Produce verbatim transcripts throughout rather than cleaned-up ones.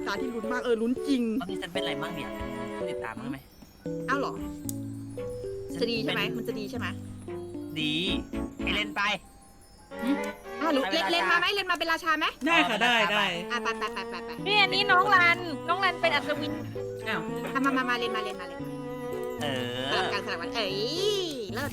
ตาที่ลุ้นมากเออลุ้นจริงตอนนี้ฉันเป็นอะไรมั่งเนี่ยเป็นผู้ติดตามมั้งไหมอ้าวเหรอจะดีใช่ไหมมันจะดีใช่ไหมดีให้เล่นไปอ้าวเล่นเล่นมาไหมเล่นมาเป็นราชาไหมได้ค่ะได้ได้อ่ะไปไปไปไปไปนี่อันนี้น้องรันน้องรันเป็นอัศวินอ้าวอ่ะมามามาเล่นมาเล่นมาเล่นเอสลัอบกันสลับกันเอ้ยเลิศ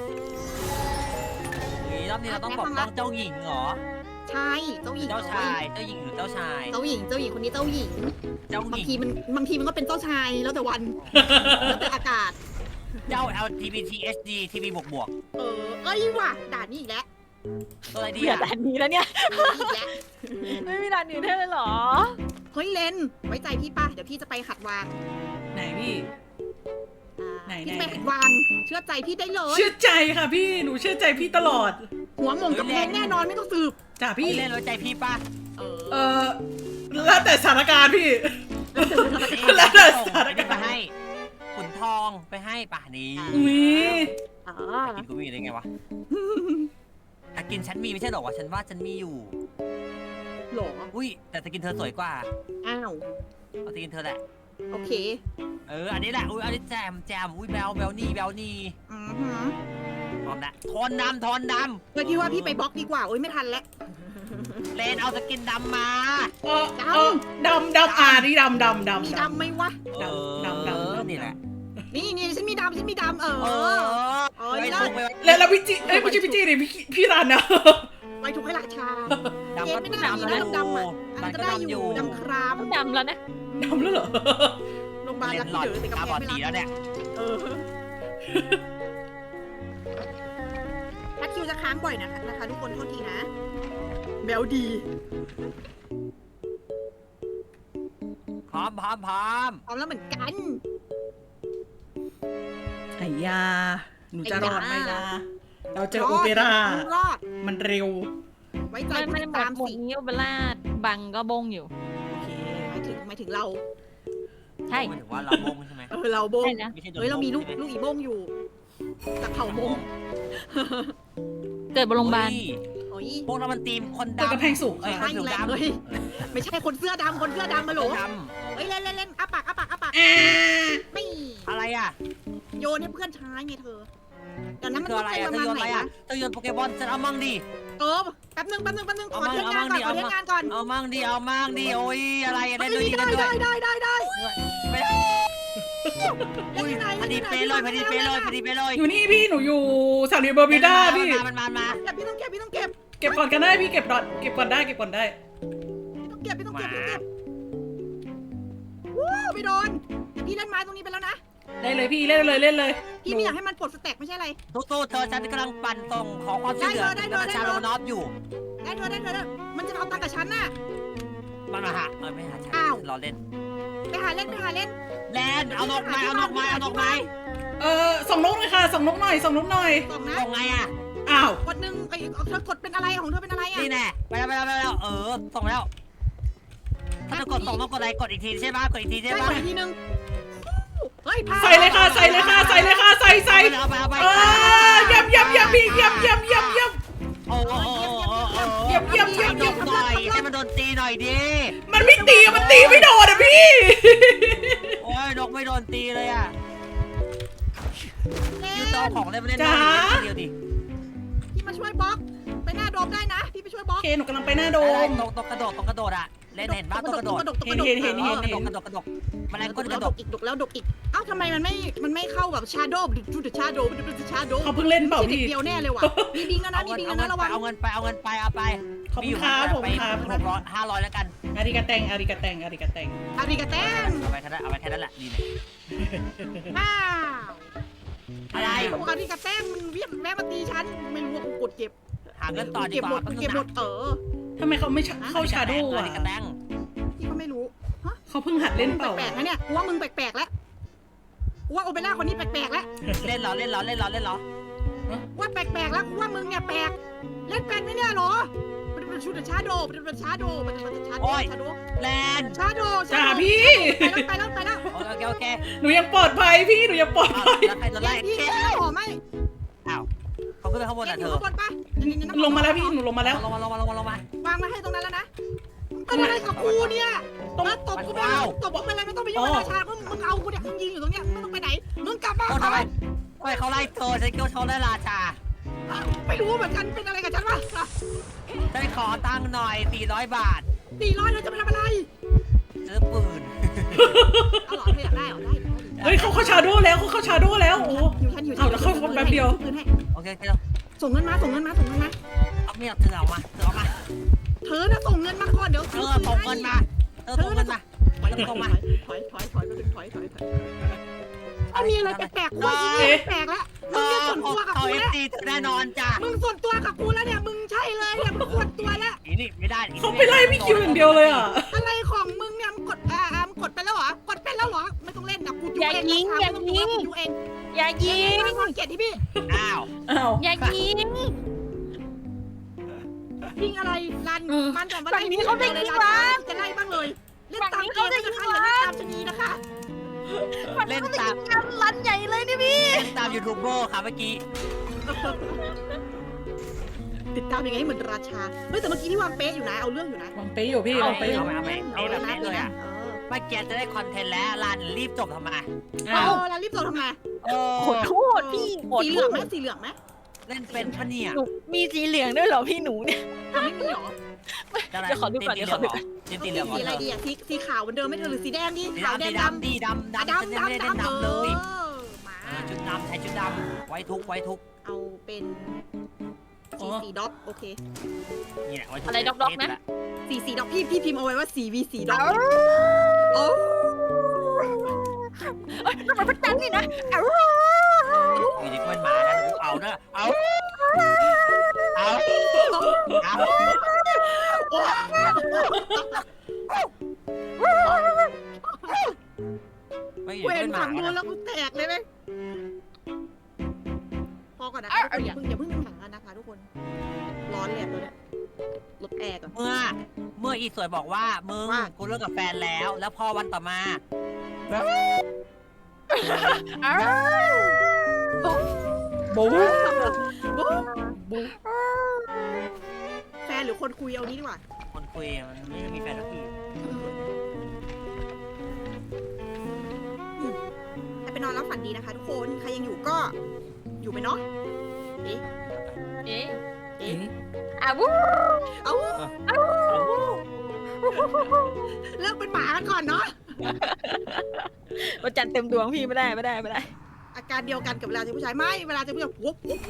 รอบนี้เราต้องปกป้องเจ้าหญิงเหรอใช่เจ้าหญิงเจ้าชาย เจ้าหญิงหรือเจ้าชายเจ้าหญิงเจ้าหญิงคนนี้เจ้าหญิงเจ้าหบางญิงทีมันบางทีมันก็เป็นเจ้าชายแล้วแต่วันแล้วแต่อากาศเจ้า แอล จี บี ที เอช ดี ที วี บวกบวกเออเอ้ยว่ะด่านนี้อีกแล้วตัวอะไรดีเบื่ออ่ะด่านนี้แล้วเนี่ยอีกแล้วไม่มีด่านอื่นให้เลยเหรอเฮ้ยเลนไว้ใจพี่ป่ะเดี๋ยวพี่จะไปหัดวางไหนพี่อ่าไหนพี่ไหนไปหัดวางเชื่อใจพี่ได้เลยเชื่อใจค่ะพี่หนูเชื่อใจพี่ตลอดหัวหม่งกับเพลงแน่นอนไม่ต้องสืบจ้ะพี่พี่เล่นแล้วใจพี่ป่ะเออเออแล้วแต่สถานการณ์พี่ แล้วแต่สถานการณ์ไปให้ขุนทองไปให้ป่ะนี่อุ้ยอ๋อกินกูมีได้ไงวะแต่กินฉันมีไม่ใช่หรอวะฉันว่าฉันมีอยู่หรออุ้ยแต่สกินเธอสวยกว่าอ้าวเอาสกินเธอแหละโอเคเออ อันนี้แหละ อุ้ย อันนี้แจมแจมอุ้ยแบลแบลนี่แบลนี่อือหือทอนนะทอนดำทอนดเมื่อกี้ว่าพี่ไปบล็อกดีกว่าโอ้ยไม่ทันแล้วำเลนเอาสกินดำมาเออเออดำดำอ่านี่ดำดำดำมีดำไหมวะเออดำดำดำนี่แหละนี่นี่ฉันมีดำฉันมีดำเอเอออเออไปเลิถูศกไปแล้วแล้วพี่จีเอ้ยไม่ใช่พี่จีดิพี่พี่รันนะไว้ทุกให้ราชาดำเย็ก็นไม่ดำน่ามีแล้วนะดำๆอ่ะอันมันั้น นก็ก็ได้ดำออยู่ยู่ดำครามต้องดำแล้วนะดำแล้วเหรอโรงพยาบาลเลรักนหลที่อดเดือแต่กำตาแพบอง ดไม่สีรักแล้วเนี่ยเออถ้าคิวจะค้างบ่อยนะคะนะคะทุกคนโทษทีนะแบลดีพร้อมพร้อมพร้อมพร้อมแล้วเหมือนกันไอ้ยาหนูจะรอดไหมล่ะเราเจอรโอดเปร่ารอดมันเร็วไว้ใจไม่ผู้ไม่ติดหมตาดมหมดสินี้เวลาบังก็บงอยู่โอเคหมายถึงหมายถึงเราใช่หมายถึงว่าเราบงใช่ไหมเออเราโบงใช่นะไม่ใช่โดนเฮ้ยเรามีลูกใช่ไหลูกอีโบงอยู่จากเผ่าโบงเกิดบนโรงพยาบาลโอ้ยพวกเรามันทีมคนเจอกระดำแพงสูงเอ้ยใช่คนผิวแหละดำเฮ้ยไม่ใช่คนเสื้อดำคนเสื้อดำมาโหลดเฮ้ยเล่นเล่นเล่นอ้าปากอ้าปากอ้าปากอ่าไม่ำอะไรอ่ะโยนให้เพื่อนใช้ไงเธอเดี๋ยวนั้นมันคือต้ออะงไรเป็นอ่ะประเธอมาณโยนไหนอะไรอ่ะนะเธอโยนโปเกมอนฉันเอามั่งดิเออแป๊บนึงแป๊บนึงแป๊บนึงขอเอาเทมั่สงงานก่อนขอเอาเทมั่สงงานก่อนเอามั่งดิเอามั่งดิโอ้ยอะไรอะไรเฮ้ยด้วยดีได้กันด้วยได้ได้ได้ได้ไม่เล่นที่ไหนพอดีเล่นเป๊ะที่ไหนเลยพอดีเป๊ะเลยพอดีเป๊ะเลยอยู่นี่พี่หนูอยู่สามเหลี่ยมเบอร์มิวด้าพี่มันมามาเก็บพี่ต้องเก็บพี่ต้องเก็บเก็บก่อนกันได้พี่เก็บก่อนเก็บก่อนได้เก็บก่อนได้พี่ต้องเก็บพี่ต้องเก็บพี่ต้องเก็บวู้ไม่โดนแต่พี่เล่นไม้ตรงนี้ไปแล้วนะได้เลยพี่เล่นเลยเล่นเลยพี่ไม่อยากให้มันปลดสแต็กไม่ใช่อะไรทุกตัวเธอฉันกำลังปั่นส่งขอความช่วยเหลือได้เธอได้เธอชาโรมานอฟอยู่ได้เธอได้เธอได้มันจะเอาตังค์กับฉันน่ะมันมาหาเออไม่หาฉันอ้าวรอเล่นไปหาเล่นไปหาเล่นแลนเอานกไม้เอานกไม้เอานกไม้เออส่งนกหน่อยค่ะส่งนกหน่อยส่งนกหน่อยกล่องนะส่งไงอ่ะอ้าวกดหนึ่งไอ้เธอกดเป็นอะไรของเธอเป็นอะไรอ่ะนี่แน่ไปแล้วไปแล้วไปแล้วเออส่งแล้วถ้าจะกดส่งต้องกดอะไรกดอีกทีใช่ป่ะกดอีกทีใช่ใช่ป่ะกดอีกทีนึงเฮ้ยพาใส่เลยค่ะใส่เลยค่ะใส่เลยค่ะใส่ใส่เอาไปเอาไปเออยำยำยำพี่ยำยำยำยำโอ้โหเยี่ยมเยี่ยมเยี่ยมนกหน่อยให้มันโดนตีหน่อยดิมันไม่ตีมันตีไม่โดนอ่ะพี่โอ้ยนกไม่โดนตีเลยอ่ะยูโตของเล่นเล่นจ๋าเดียวดิพี่มาช่วยบล็อกไปหน้าโดมได้นะพี่ไปช่วยบล็โออกเคหนูกำลังไปหน้าโดได้มตรงตรงกระโดดตรงกระโดดอ่ะเล่นเห็นบ้างตรงกระโดดกระดกเห็นเห็นเห็นเอเห็อน กระโดดกระโดดกระโดดแมลงก้นกแล้ระวโดดดกอีกดกแล้วดกอีกเอ้าทำไมมันไม่มันไม่เข้าแบบชาโดว์ดูดชาโดว์ดูดชาโดว์เขาเพิ่งเล่นเปล่าเด็กพี่เดียวแน่เลยว่ะมีบิงแล้วนะเอามีเงินบิงเอาแล้วเงินะนระไปวังเอาเงินไปเอาเงินไปเอาไปขอบคุณครับผมครับหกร้อยห้าร้อยแล้วกันอาริกาแตงอาริกาแตงอาริกาแตงอาริกาเต้นเอาไปแค่นั้นเอาไปแค่นั้นแหละดีเลยว้าวอะไรบอกอาริกาเต้นมันเวียนแม่มาตีฉันไม่รู้ว่ากูกดเก็บหาเงินต่อดีเก็บกหมว่าดเก็บหมดเออทำไมเขาไม่เข้าชาโดว์อ่ะอ่ะกระแตงพี่ก็ไม่รู้เขาเพิ่งหัดเล่นเปล่าแปลกๆนะเนี่ยกูว่ามึงแปลกๆแล้วกูว่าโอเปร่าคนนี้แปลกๆแล้วเล่นเหรอเล่นเหรอเล่นเหรอเล่นเหรอว่าแปลกๆแล้วกูว่ามึงเนี่ยแปลกเล่นเป็นไหมเนี่ยเหรอมันเป็นชุดชาโดว์มันเป็นชาโดว์มันเป็นชาโดว์ชาโดว์แลนชาโดว์จ้าพี่ไปแล้วไปแล้วไปแล้วโอเคโอเคหนูยังปลอดภัยพี่หนูยังปลอดอ้าวภัยแล้วใครจะไล่พี่เคพี่หอไหมอ้าวเขาขึ้นไปข้างบนเอ็อ่ะอเธยู่อข้างบนปะลงมาแล้วพี่หนูลงมาแล้วลงมาลงมาลงมาลงมาวางมาให้ตรงนั้นแล้วนะเป็นอะไรกับกูเนี่ยต้องมาตบกูไปเลยตบกูไปเลยไม่ต้องไปยุ่งกับราชามึงมึงเอากูเนี่ยมึงยืนอยู่ตรงเนี้ยมึงต้องไปไหนมึงกลับบ้านโอ้ทำไมทำไมเขาไล่เธอฉันคิดว่าเขาไล่ราชาไม่รู้เหมือนกันเป็นอะไรกับฉันวะได้ขอตังค์หน่อยสี่ร้อยบาทสี่ร้อยเราจะไปทำอะไรซื้อปืนเอาหรอเธออยากได้เหรอได้เฮ้ยเขาเข้าชาโดว์แล้วเขาเข้าชาโดว์แล้วโอ้อยู่ฉันอยู่ฉัเอาแล้วเข้าแป๊บเดียวปืนให้โอเคโอเคส่งเงินมาส่งเงินมาส่งเงินมาเอาเมียเธอเอามาเธอเอามาเธอน่ะส่งเงินมาก่อนเดี๋ยวเธอส่งเงินมาเธอส่งเงินมาถอยถอยถอยถอยถอยถอยถอยถอยเอามีอะไรแปลกๆกูแปลกแล้วเธมึงอเนี่ยส่วนตัวกับเขากูเอฟแล้วซีแน่นอนจ้ะมึงส่วนตัวกับกูแล้วเนี่ยมึงใช่เลยเนี่ยมึงส่วนตัวแล้วอีนี่ไม่ได้เขาไปไล่พี่คิวอย่างเดียวเลยอ่ะอะไรของมึงเนี่ยมึงกดอ่ามึงกดไปแล้วเหรอกดไปแล้วเหรอไม่ต้องเล่นนะกูดูเองดูเองอย่ายิงไม่ต้องเกลียดที่พี่อ้าวอ้าวอย่ายิงยิงอะไรรันมันแต่ว่าฝั่งนี้เขาได้ยิงวะจะไล่บ้างเลยเล่นตามเกมนะคะอย่าเล่นตามชนีนะคะเล่นตามรันใหญ่เลยนี่พี่เล่นตามยูทูบเบอร์ค่ะเมื่อกี้ติดตามยังไงเหมือนราชาเฮ้ยแต่เมื่อกี้ที่วางเป๊ะอยู่นะเอาเรื่องอยู่นะวางเป๊ะอยู่พี่วางเป๊ะอยู่เอาไปเอาไปเอาแบบนี้เลยอ่ะเมื่อกี้จะได้คอนเทนต์แล้วรันรีบจบทำไมเออ้าวอแล้วรีบส่งทำไมโอ้ขอโทษพี่ขอสีเหโทลืองษไหมสีเหลืองไหมเล่นเป็นปะเนี่ยหนูมีสีเหลืองด้วยเหรอพี่หนูเนี่ยไม่มีหรอจะอะไรเดี๋ยวขอดูก่อนตีเดี๋ยวขอดูเหลืองเหรอตีสีเหลืองเหรสีอะไรอดีอะสีสีขาวเหมือนเดิมไหมเธอหรือสีแดงดีสีขาวดำแดสีงดำดำดีดำอ่ะดำฉันดำยังไม่ได้ดำเล่นดำดำเลยออมาอ่าชุดดำใช้ชุดดำไว้ทุกไว้ทุกเอาเป็นสีสีด็อกโอเคเนี่ยไว้ทุกอะไรด็อกๆนะสีสีด็อกพี่พี่พิมพ์เอาไว้ว่าสีวีสีด็อกโอ้เอ้ยทำไมพักจันนี่นะเอ้าอยู่ดีก็เป็นหมานะเอาเนอะเอาเอาเอาไม่อยู่เวดีก็นเป็นหมาฝั่งนู้นนะแล้วกูแตกเลยไหมพอก่อนนะคะทุกคนอย่าเพิ่งอย่าเพิ่งเป็นหมากันนะคะทุกคน ร้อนเลยอะตัวเนี้ยลดแอร์ก่อนเมื่อเมื่ออีสวยบอกว่ามึงว่ากูเลิกกับแฟนแล้ว แล้วพอวันต่อมาบู๊บู๊แฟนหรือคนคุยเอานี้ดีกว่าคนคุยมันไม่ได้มีแฟนสักทีให้ไปนอนแล้วฝันดีนะคะ ทุกคน ใครยังอยู่ก็อยู่ไปเนาะ เอ๊ะเอ๊ะเอ๊ะอ่ะวู้เอ้าเลิกเป็นหมากันก่อนเนาะวันจันทร์เต็มดวงพี่ไม่ได้ไม่ได้ไม่ได้อาการเดียวกันกับเวลาเจอผู้ชายไม่เวลาเจอผู้ชายวุ๊บวุ๊บ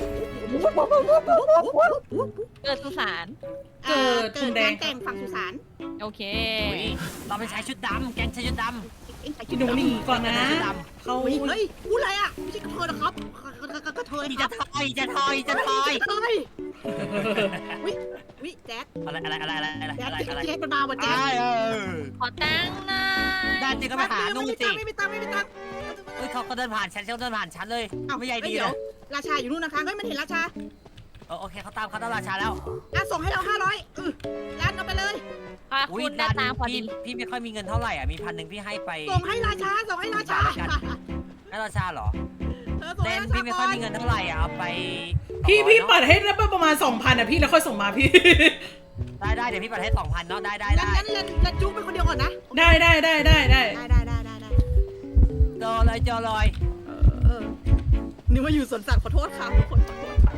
เกิดสุสานเกิดเกิดงานแต่งฝั่งสุสานโอเคอุ๊ยเราไปใช้ชุดดำแกงใช้ชุดดเอ็งใส่พี่หนูหนีก่อนำนะใช้ชุดดเขาเฮ้ยเฮ้ยพูดอะไรอ่ะไม่ใช่กระเทยนะครับกระเทยำอีครัจะบทอยจะทอยจะทอยกระเทยวิวิแจ๊ดอะไรอะไรอะไรอะไรอะไรแจ๊ดอะไรอะไรแจ๊ดมันมาว่ะแจ๊ดอ้ายเออขอตังค์หน่อยได้จริงก็ไปหานู่นสิไม่มีตังค์ไม่มีตังค์เฮ้ยเขาก็เดินผ่านฉันเขาเดินผ่านฉันเลยไม่ใหญ่ดีเดี๋เลยวย ราชาอยู่นู่นนะคะเฮ้ยมันเห็นราชาเออโอเคเขาตามเขาตามราชาแล้วอ่ะส่งให้เราห้าร้อยอือร้านเอาไปเลยพาอุ้คุยณหน้าตาพอพี่ดีพี่ไม่ค่อยมีเงินเท่าไหร่อ่ะมีพันหนึ่งพี่ให้ไปส่งให้ราชาส่งให้ราชาให้ราชาเหรอเออส่งเล่ให้นราชาพี่ไม่ค่อยมีเงินเท่าไหร่อ่ะเอาไปพี่พี่สองร้ปัอยดให้ได้ประมาณสองพันอ่ะพี่แล้วค่อยส่งมาพี่เนอะได้ได้เดี๋ยวพี่ปัดให้สองพันเนาะได้ได้งั้นได้งั้นเล่นเล่นจุ๊บเป็นคนเดียวก่อนนะได้ได้ได้ได้ได้ได้ได้ได้ได้ได้เจอเลยเจอเลยเออนึกว่าอยู่สวนสัตว์ขอโทษค่ะทุกคนขอโทษค่ะ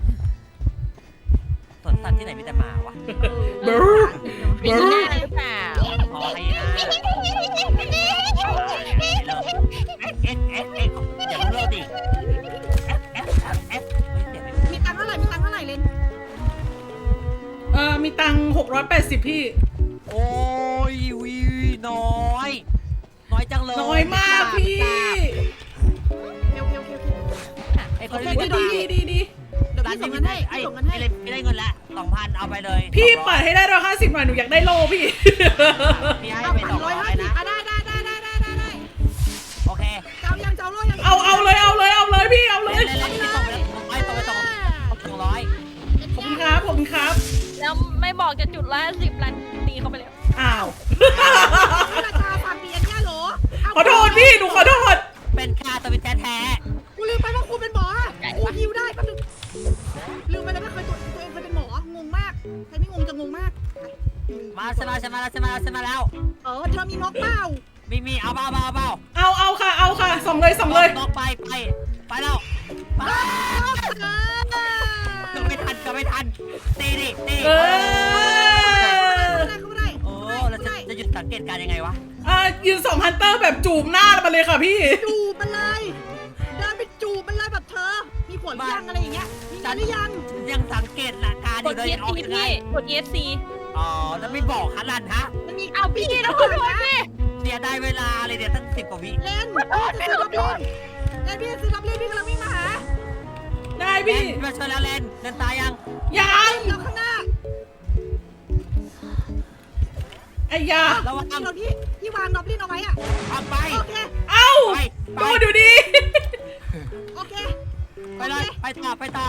สวนสัตว์ที่ไหนมีแต่หมาวะเบอร์เป็นหน้าหรือเปล่าพอให้นะเอ็กเอ็กเอ็กเอ็กอย่าเลิกดิเอ็กเอ็กเอ็กเฮ้ยเดี๋ยวมีตังค์เท่าไหร่มีตังค์เท่าไหร่เลนเออมีตังหกร้อยแปดสิบพี่โอ้ยวิน้อย น้อยจังเลยน้อยมากพี่เร็วเร็วเร็วเร็วไอ้คโอน เคนี้ดีดีดีดีเดี๋ยวร้านพี่ส่นี้งไม่เงินได้ให้ไอ้พี่ส่งเงินให้ไม่ได้เงินละสองพันเอาไปเลยพี่ปัดให้ได้ร้อยห้าสิบหน่อยหนูอยากได้โลพี่พี่ให้เอาไปพันสองร้ร้ออย ยห้าสิบนะอ่ะได้ได้ได้ได้ได้ได้โอเคเจ้ายังเจ้าโลยังเอาเอาเลยเอาเลยเอาเลยพี่เอาเลยเล่นเล่นพี่ส่งไปแล้วไปส่งไปส่งสองร้อยขอบคุณครับขอบคุณครับแล้วไม่บอกจะจุดละสิบลันตีเข้าไปแล้วอ้าวราชาฝากเปลี่ยนแค่โหลขอโทษพี่หนูขอโทษเป็นค่าตัวเป็นแท้แท้กูลืมไปว่าคุณเป็นหมอกูฮิวได้แป๊บนึงลืมไปเลยว่าเคยตัวตัวเองเคยเป็นหมองงมากใครไม่งงจะงงมากมาชนะชนะแล้วฉันมาแล้วฉันมาแล้วเออเธอมีนกเปล่ามีมีเอาเปล่าเอาเปล่าเอาเอาค่ะเอาค่ะส่งเลยส่งเลยต้องไปไปไปแล้วไปเออก็ไม่ทันก็ไม่ทันตีดิตีเออได้เข้าไม่ได้โอ้เราจะจะหยุดสังเกตการยังไงวะอ่ายืนส่งฮันเตอร์แบบจูบหน้ามาเลยค่ะพี่จูบมันเลยเดินไปจูบมันเลยแบบเธอ มีผลหรือยังอะไรอย่างเงี้ยมีงานหรือยังยังสังเกตหลักการอก ยู่ดเลยเอออกสซียังไงพี่กดเอสซีอ๋อแล้วไม่บอกขนาดฮะมันมีเอาพี่พี่นะนะคคุนณโทษนะพี่เสียได้เวลาเลยเนี่ยตั้งสิบกว่าวิเล่นพี่จะซื้อรับเล่นเล่นพี่จะซื้อรับเล่นพี่กำลังวิ่งมาหาได้เล่พี่นมาช่วยแล้วเล่นเล่นตายยังยังเดี๋ยวข้างหน้าไอ้ยาระวังที่เราที่ที่วางดอบลินเอาไว้อะทำไปโอเคเอ้าไปไปดูดูดิโอเคไปเลยไปต่อไปต่อ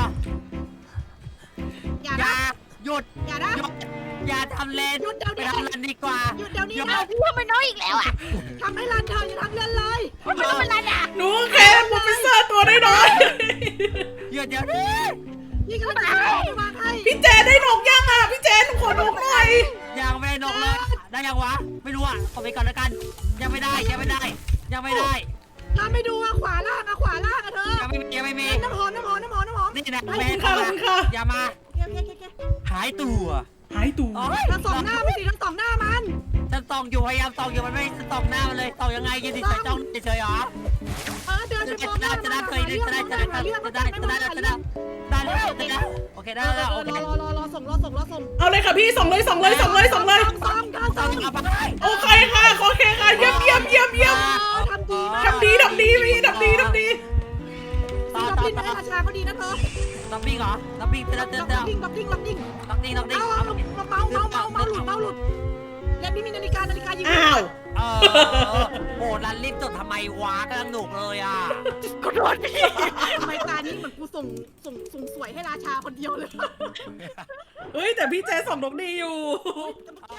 อย่าอย่านะหยุดอย่านะหยุดอย่าทำเล่นหยุดเดี๋ยวไปนี้ทำเล่นดีกว่าหยุดเดี๋ยวนี้หยุดนะพี่ทำไมน้อยอีกแล้วอ่ะทำให้รันเธออย่าทำเล่นเลยมันต้องเป็นไรอ่ะหนูแค่โปรเฟสเซอร์ตัวน้อยหยุดเดี๋ยวนี้พี่กำลังจะเอาไปวางให้ๆพี่เจได้นกยังอ่ะพี่เจหนูขอนกหน่อยยังไม่ได้นกเลยได้ยังวะไม่รู้อ่ะขอไปก่อนแล้วกัน ยังไม่ได้ยังไม่ได้ ยังไม่ได้ถ้าไม่ดูอะขวาล่างอะขวาล่างอะเธอยังไม่มียังไม่มีน้ำหอมน้ำหอมน้ำหอมน้ำหอมนี่นะขอบแม่คุณค่ะขอบคุณค่ะอย่ามาโอเคโอเคโอเคหายตัวหายตูโอ๊ยทั้งสองหน้าไม่สิทั้งสองหน้ามันฉันส่องอยู่พยายามส่องอยู่มันไม่ส่องหน้ามันเลยส่องยังไงยืนเฉยๆจ้องเฉยๆเหรอเออเดินจะไปได้มองหน้าจะได้เคยได้จะได้จะได้จะได้จะได้จะได้จะได้ได้แล้วจะได้โอเคได้รอแล้วรโออเครอรอรอส่งรอส่งรอส่งเอาเลยค่ะพี่ส่งเลยส่งเลยส่งเลยส่งเลยส่งส่งส่ส่องงเอาไปโอเคค่ะโอเคค่ะเยี่ยมเยี่ยมเยี่ยมเยี่ยมทำดีมากทำดีทำดีพี่ทำดีทำดีต่อดับต่อบิ้งต่อให้ราชาก็ดีนะเธอดับบิ้งเหรอดับบิ้งเสร็จแล้วเสร็จดัแล้วบบิ้งดับบิ้งดับบิ้งดับบิ้งดับบิ้งเอาเอาเอาเมาเมาเมาเมาหลุดเมาหลุดแล้วนี่มีนาฬิกานาฬิกายิงอ้าวเออโอ้รันรีบจดทำไมวะกำลังหนุกเลยอ่ะขอโทษพี่ทำไมตานี้เหมือนกูส่งส่งส่งสวยให้ราชาคนเดียวเลยเฮ้ยแต่พี่เจส่งนกดีอยู่เมื่อกี้